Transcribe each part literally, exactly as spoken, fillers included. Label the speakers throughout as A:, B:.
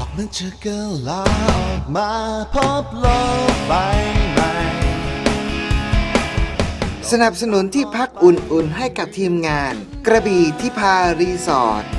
A: มันจะกลาออกมาพบโลกใบใหม่
B: สนับสนุนที่พักอุ่นๆให้กับทีมงานกระบี่ที่พารีสอร์ท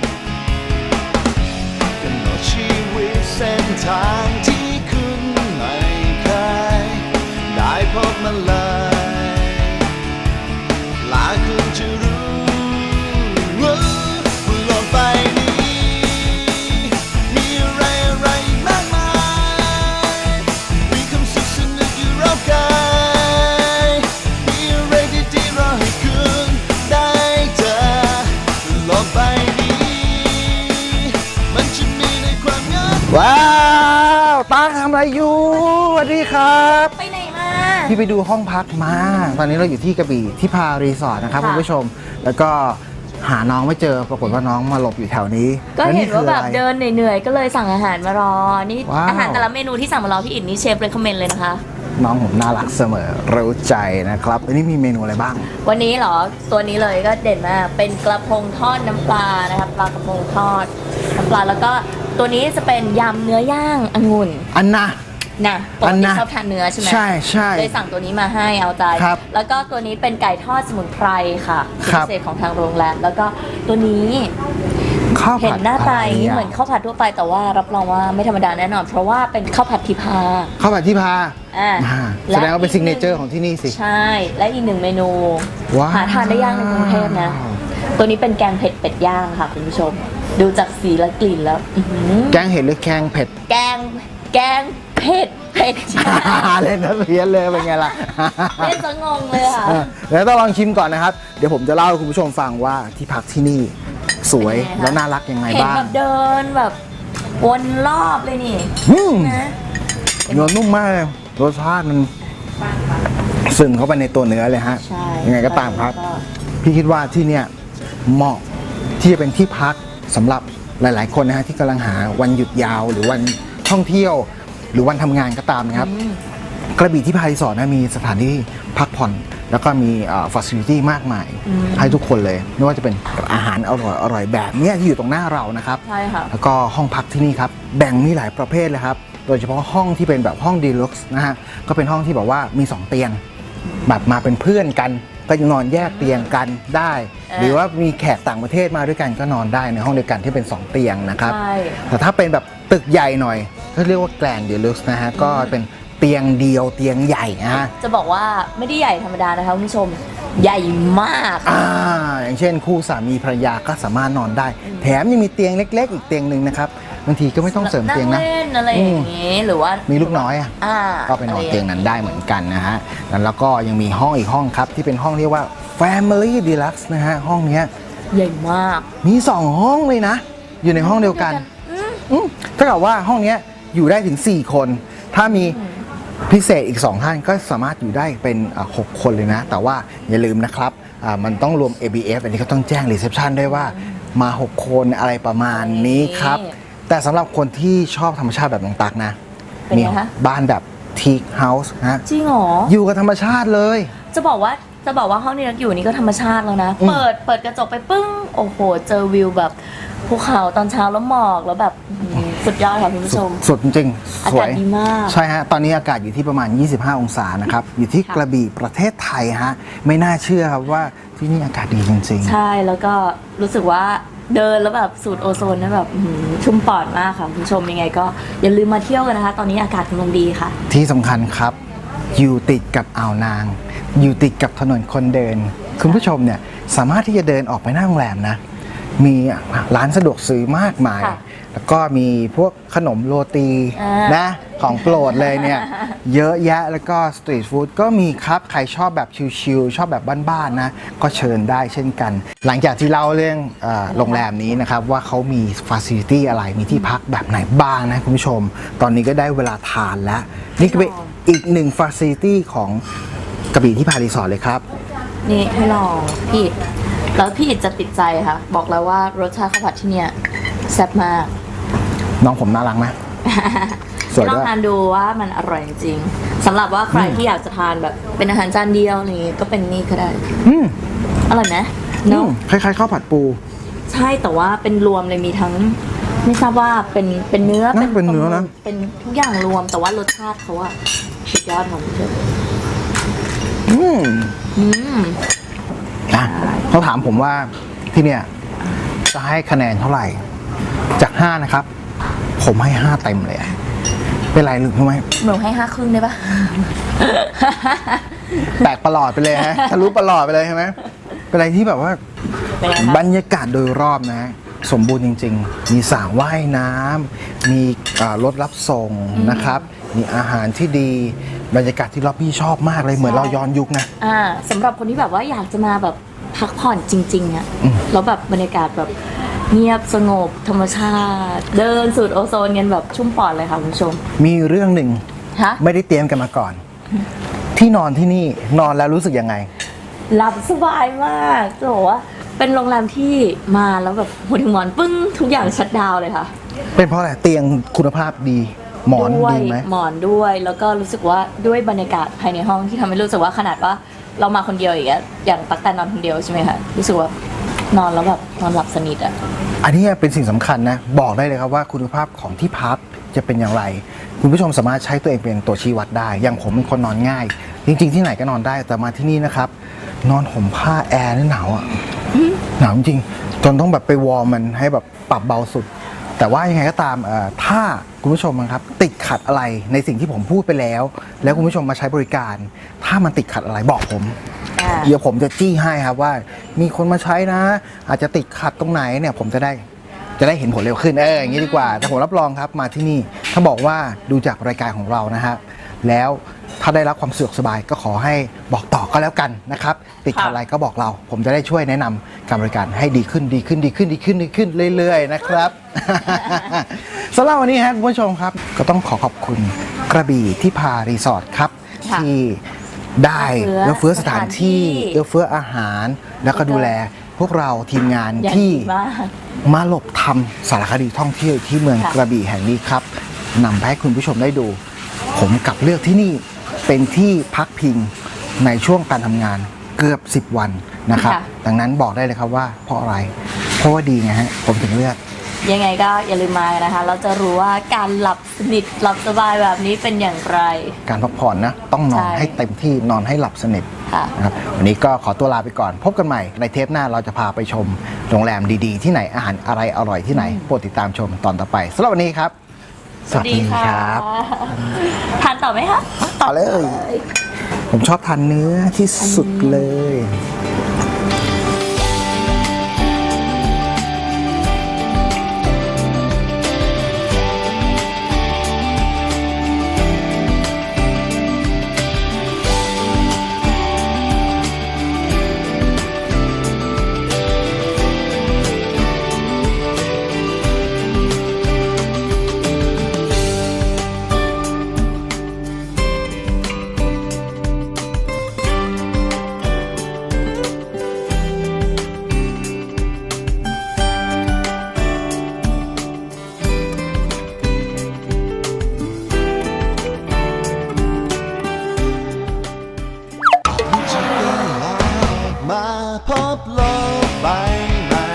A: กำหนดชีวิตเส้นทางที่คุณไม่เคยได้พบมาเลยหลายคนจะรู้ว่าโลกใบนี้มีอะไรอะไรมากมายมีคำสุขสนุกอยู่รอบกายมีอะไรดีๆรอให้คุณได้เจอโลกใบนี้มันจะมีในความงาม
B: ว้าวตาทำอะไรอยู่สวัสดีครับ
C: ไปไหนมา
B: พี่ไปดูห้องพักมาตอนนี้เราอยู่ที่กระบี่ที่พารีสอร์ทนะครับคุณผู้ชมแล้วก็หาน้องไม่เจอปรากฏว่าน้องมาหลบอยู่แถวนี้
C: ก็เห็นว่าแบบเดินเหนื่อยๆก็เลยสั่งอาหารมารอนี่อาหารแต่ละเมนูที่สั่งมารอพี่อินนี่เชฟเลยคอมเมนต์เลยนะคะ
B: น้องผมน่ารักเสมอรู้ใจนะครับอันนี้มีเมนูอะไรบ้าง
C: วันนี้เหรอตัวนี้เลยก็เด่นมากเป็นกระพงทอดน้ำปลานะครับปลากระพงทอดน้ำปลาแล้วก็ตัวนี้จะเป็นยำเนื้อย่างองุ่น
B: อันนะ
C: นะปกติชอบทานเนื้อใช่ไหม
B: ใช่ใช่
C: เลยสั่งตัวนี้มาให้เอาใจแล้วก็ตัวนี้เป็นไก่ทอดสมุนไพรค่ะพิเศษของทางโรงแรมแล้วก็ตัวนี้เห็นหน้าตาอย่างนี้เหมือนข้าวผัดทั่วไปแต่ว่ารับรองว่าไม่ธรรมดาแน่นอนเพราะว่าเป็นข้าวผัดทิพา
B: ข้าวผัดทิพาอ่าแสดงว่าเป็นซิกเนเจอร์ของที่นี่สิ
C: ใช่และอีกหนึ่งเมนูหาทานได้ยากในกรุงเทพนะตัวนี้เป็นแกงเผ็ดเป็ดย่างค่ะคุณผู้ชมดูจากสีและกลิ่นแล้ว
B: แกงเห็ดหรือแกงเผ็ด
C: แกงแกงเผ็ดเผ็ด
B: เล่นนะเพี้ยนเลยเป็นไงล่ะ
C: เล่นซะงงเลยค่ะ
B: แล้วต้องลองชิมก่อนนะครับเดี๋ยวผมจะเล่าให้คุณผู้ชมฟังว่าที่พักที่นี่สวยแล้วน่ารักยังไงบ้าง
C: เห็นแบบเดินแบบวนรอบเลยนี่
B: นะเนื้อนุ่มมากเลยรสชาติมันซึมเข้าไปในตัวเนื้อเลยฮะยังไงก็ตามครับพี่คิดว่าที่เนี่ยเหมาะที่จะเป็นที่พักสำหรับหลายๆคนนะฮะที่กำลังหาวันหยุดยาวหรือวันท่องเที่ยวหรือวันทำงานก็ตามนะครับกระบี่ที่พารีสอร์ทนะมีสถานที่พักผ่อนแล้วก็มีฟอสซิลิตี้มากมายให้ทุกคนเลยไม่ว่าจะเป็นอาหารอร่อยอร่อยแบบนี้ที่อยู่ตรงหน้าเรานะครับ
C: ใช่ค่ะ
B: แล้วก็ห้องพักที่นี่ครับแบ่งมีหลายประเภทเลยครับโดยเฉพาะห้องที่เป็นแบบห้องดีลักซ์นะฮะก็เป็นห้องที่แบบว่ามีสองเตียงแบบมาเป็นเพื่อนกันก็นอนแยกเตียงกันได้หรือว่ามีแขกต่างประเทศมาด้วยกันก็นอนได้ในห้องเดียวกันที่เป็นสองเตียงนะครับแต่ถ้าเป็นแบบตึกใหญ่หน่อยก็เรียกว่าแกรนด์ดีลักซ์นะฮะก็เป็นเตียงเดียวเตียงใหญ่นะฮะ
C: จะบอกว่าไม่ได้ใหญ่ธรรมดานะคะคุณผู้ชมใหญ่มาก
B: อ่าอย่างเช่นคู่สามีภรรยาก็สามารถนอนได้แถมยังมีเตียงเล็กๆอีกเตียงหนึ่งนะครับบางทีก็ไม่ต้องเสริมเตียงนะ
C: นั่งเล่นอะไรอย่างงี้หรือว่า
B: มีลูกน้อยอ่ะก็ไปนอนเตียงนั้นได้เหมือนกันนะฮะแล้วก็ยังมีห้องอีกห้องครับที่เป็นห้องเรียกว่า Family Deluxe นะฮะห้องนี้
C: ใหญ่มาก
B: มีสองห้องเลยนะอยู่ในห้องเดียวกันถ้าเกิดว่าห้องนี้อยู่ได้ถึงสี่คนถ้ามีพิเศษอีกสองท่านก็สามารถอยู่ได้เป็นหกคนเลยนะแต่ว่าอย่าลืมนะครับมันต้องรวม เอ บี เอฟ อันนี้ก็ต้องแจ้งรีเซพชันด้วยว่ามาหกคนอะไรประมาณนี้ครับแต่สำหรับคนที่ชอบธรรมชาติแบบน้องตักนะมีบ้านแบบทีคเฮาส์นะ
C: จริงเหรอ
B: อยู่กับธรรมชาติเลย
C: จะบอกว่าจะบอกว่าห้องนี้เราอยู่นี่ก็ธรรมชาติแล้วนะเปิดเปิดกระจกไปปึ้งโอ้โหเจอวิวแบบภูเขาตอนเช้าแล้วหมอกแล้วแบบสุดยอดค่ะคุณผู้ชม
B: สุดจริง
C: อากาศดีมาก
B: ใช่ฮะตอนนี้อากาศอยู่ที่ประมาณยี่สิบห้าองศานะครับอยู่ที่กระบี่ประเทศไทยฮะไม่น่าเชื่อครับว่าที่นี่อากาศดีจริง
C: ๆใช่แล้วก็รู้สึกว่าเดินแล้วแบบสูดโอโซนนะแบบชุ่มปอดมากค่ะคุณผู้ชมยังไงก็อย่าลืมมาเที่ยวกันนะคะตอนนี้อากาศกำลังดีค่ะ
B: ที่สำคัญครับอยู่ติดกับอ่าวนางอยู่ติดกับถนนคนเดินคุณผู้ชมเนี่ยสามารถที่จะเดินออกไปหน้าโรงแรมนะมีร้านสะดวกซื้อมากมายแล้วก็มีพวกขนมโรตีนะของโปรดเลยเนี่ยเยอะแยะแล้วก็สตรีทฟู้ดก็มีครับใครชอบแบบชิลๆชอบแบบบ้านๆนะก็เชิญได้เช่นกันหลังจากที่เล่าเรื่องโรงแรมนี้นะครับว่าเขามีฟาซิลิตี้อะไรมีที่พักแบบไหนบ้างนะคุณผู้ชมตอนนี้ก็ได้เวลาทานแล้วนี่ก็เป็นอีกหนึ่งฟาซิลิตี้ของกระบี่ที่พารีสอร์ทเลยครับ
C: นี่ให้ลองพี่แล้วพี่จะติดใจค่ะบอกแล้วว่ารสชาติข้าวผัดที่เนี่ยแซ่บมาก
B: น้องผมน่ารักไหม
C: สวยด้วยลองทานดูว่ามันอร่อยจริงสำหรับว่าใครที่อยากจะทานแบบเป็นอาหารจานเดียวนี่ก็เป็นนี่ก็ได้
B: อืม
C: อร่อยไหมเนาะ
B: คล้ายๆข้าวผัดปู
C: ใช่แต่ว่าเป็นรวมเลยมีทั้งไม่ทราบว่าเป็นเป็นเนื้อ
B: น่าเป็นเนื้อนะ
C: เป็นทุกอย่างรวมแต่ว่ารสชาติเขาอะสุดยอดของเธอ
B: อืม
C: อืม
B: อ่ะเขาถามผมว่าที่เนี่ยจะให้คะแนนเท่าไหร่ จากห้านะครับ ผมให้ห้าเต็มเลยอะเป็นไรหรือไม่
C: หนูให้ห้าครึ่งได้ปะ
B: แตกประหลอดไปเลยฮะทะลุประหลอดไปเลยใช่ไหมเป็นอะไรที่แบบว่า
C: เป็นไงคะ
B: บรรยากาศโดยรอบนะ สมบูรณ์จริง ๆ มีสระว่ายน้ำมีอ่ารถรับส่งนะครับ มีอาหารที่ดีบรรยากาศที่ล็อบบี้ชอบมากเลยเหมือนเราย้อนยุคนะ
C: อ่าสำหรับคนที่แบบว่าอยากจะมาแบบพักผ่อนจริงๆอะแล้วแบบบรรยากาศแบบเงียบสงบธรรมชาติ เดินสูดโอโซนกันแบบชุ่มปอดเลยค่ะคุณผู้ชม
B: มีเรื่องหนึ่ง
C: ฮะ
B: ไม่ได้เตรียมกันมาก่อน ที่นอนที่นี่นอนแล้วรู้สึกยังไง
C: หลับสบายมากจะบอกว่าเป็นโรงแรมที่มาแล้วแบบหัวถึงหมอนปึ้งทุกอย่างชัดดาวน์เลยค่ะ
B: เป็นเพราะอะไรเตียงคุณภาพดีหมอน
C: ด้วย
B: ดีไหม
C: หมอนด้วยแล้วก็รู้สึกว่าด้วยบรรยากาศภายในห้องที่ทำให้รู้สึกว่าขนาดว่าเรามาคนเดียวอย่างเงี้ยอย่างตั๊กแต่นอนคนเดียวใช่ไหมคะรู้สึกว่านอนแล้วแบบนอนหลับสนิทอะ
B: อันนี้เป็นสิ่งสำคัญนะ บอกได้เลยครับว่าคุณภาพของที่พักจะเป็นอย่างไร คุณผู้ชมสามารถใช้ตัวเองเป็นตัวชี้วัดได้ อย่างผมเป็นคนนอนง่าย จริง ๆ ที่ไหนก็นอนได้แต่มาที่นี่นะครับ นอนห่มผ้าแอร์นี่หนาวอ่ะหนาวจริงๆจนต้องแบบไปวอร์มมันให้แบบปรับเบาสุด แต่ว่ายังไงก็ตามเอ่อถ้าคุณผู้ชมนะครับติดขัดอะไรในสิ่งที่ผมพูดไปแล้ว แล้วคุณผู้ชมมาใช้บริการ ถ้ามันติดขัดอะไรบอกผม
C: อ่า
B: เดี๋ยวผมจะจี้ให้ครับว่ามีคนมาใช้นะ อาจจะติดขัดตรงไหนเนี่ยผมจะได้จะได้เห็นผลเร็วขึ้นเอออย่างนี้ดีกว่า แต่ผมรับรองครับมาที่นี่ถ้าบอกว่าดูจากรายการของเรานะฮะแล้วถ้าได้รับความสะดวกสบายก็ขอให้บอกต่อก็แล้วกันนะครับติดขัดอะไรก็บอกเรา ผมจะได้ช่วยแนะนำการบริการให้ดีขึ้นดีขึ้นดีขึ้นดีขึ้นดีขึ้นเรื่อยๆนะครับ สำหรับวันนี้ฮะคุณผู้ชมครับก็ต้องขอขอบคุณกระบี่ที่พารีสอร์ทครับ
C: ค่ะ
B: ที่ได้
C: เอื้
B: เอื้อ
C: อ
B: เฟื้อสถานที่
C: สถานที่
B: เอื้อเฟื้ออาหาร แล้วก็ดูแลพวกเราทีมงาน
C: อย่าง
B: ที่
C: ดีมาก
B: มาหลบทำสารคดีท่องเที่ยวที่เมือง
C: ค่ะ
B: กระบี่แห่งนี้ครับนำไปให้คุณผู้ชมได้ดู ผมกลับเลือกที่นี่เป็นที่พักพิงในช่วงการทำงานเกือบสิบวันนะครับ ดังนั้นบอกได้เลยครับว่าเพราะอะไร เพราะว่าดีไงฮะผมถึงเลือก
C: ยังไงก็อย่าลืมมานะคะ เราจะรู้ว่าการหลับสนิทหลับสบายแบบนี้เป็นอย่างไร
B: การพักผ่อนนะต้องนอน
C: ใช่
B: ให้เต็มที่นอนให้หลับสนิท
C: ค่ะ
B: นะครับวันนี้ก็ขอตัวลาไปก่อน พบกันใหม่ในเทปหน้าเราจะพาไปชมโรงแรมดีๆ ที่ไหนอาหารอะไรอร่อยที่ไหนโปรดติดตามชมตอนต่อไปสำหรับวันนี้ครับ สวัสดีครับ
C: ทานต่อไหมคะ
B: ต่อเลย ผมชอบทานเนื้อที่สุดเลย
A: มาพบโลกใบใหม่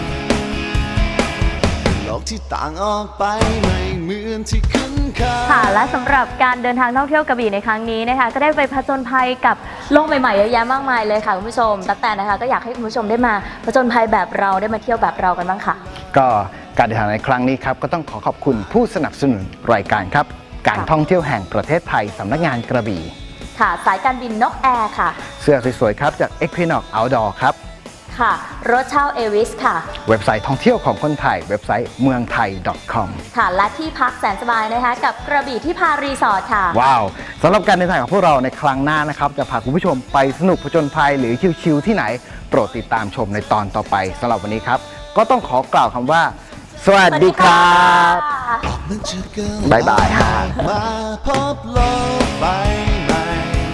A: โลกที่ต่างออกไปไม่เหมือนที่คุ้นเคย
C: ค่ะและสำหรับการเดินทางท่องเที่ยวกระบี่ในครั้งนี้นะคะก็ได้ไปผจญภัยกับโลกใหม่ๆเยอะแยะมากมายเลยค่ะคุณผู้ชมตั้งแต่นะคะก็อยากให้คุณผู้ชมได้มาผจญภัยแบบเราได้มาเที่ยวแบบเรากันบ้างค่ะ
B: ก็การเดินทางในครั้งนี้ครับก็ต้องขอขอบคุณผู้สนับสนุนรายการครับ การท่องเที่ยวแห่งประเทศไทยสำนักงานกระบี่
C: ค่ะสายการบินนกแอร์ค่ะ
B: เสื้อสวยๆครับจาก Equinox Outdoor ครับ
C: ค่ะรถเช่าเอวิสค่ะ
B: เว็บไซต์ท่องเที่ยวของคนไทย เว็บไซต์เมืองไทย .com
C: ค่ะและที่พักแสนสบายนะคะกับกระบี่ที่พารีสอร์ทค่ะ
B: ว้าวสำหรับการเดินทางของพวกเราในครั้งหน้านะครับจะพาคุณผู้ชมไปสนุกผจญภัยหรือชิลๆที่ไหน โปรดติดตามชมในตอนต่อไปสำหรับวันนี้ครับ ก็ต้องขอกล่าวคำว่า สวัสดีครับ บ๊ายบายฮะ
A: มาพบโลกใบใหม่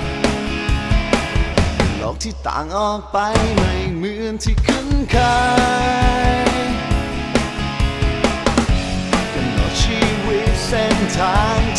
A: โลกที่ต่างออกไปไม่เหมือนที่คุ้นเคยกำหนดชีวิตเส้นทาง